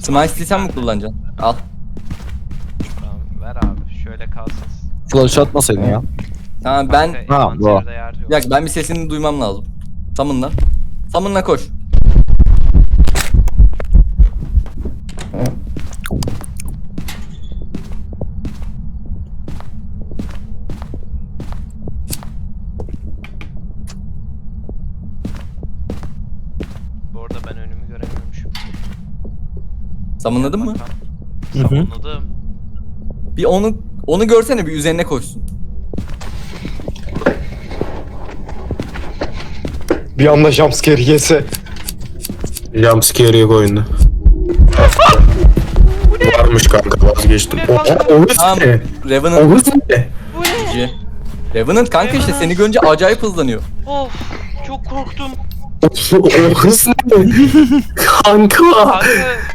Smite sen mi kullanacaksın? Al. Tamam ver abi. Şöyle kalsın. Flash atmasaydın ya. Tamam ben... Kanka, Ha, bu. envanterde yer yok. Bir dakika ben bir sesini duymam lazım. Summon'la. Summon'la koş. Bu arada ben önümü göremiyormuşum. Summon'ladın mı? Hı hı. Savunladım. Bir onu görsene, bir üzerine koşsun. Bir anda jumpscare yese. Jumpscare yok oyunda. Varmış kanka, vazgeçtim. Bu ne kanka? Oha, Oğuz Tamam. ne? Revenant. Oğuz ne? Bu ne? G. Revenant kanka işte seni görünce acayip hızlanıyor. Of çok korktum. Oğuz ne? Kanka. Kanka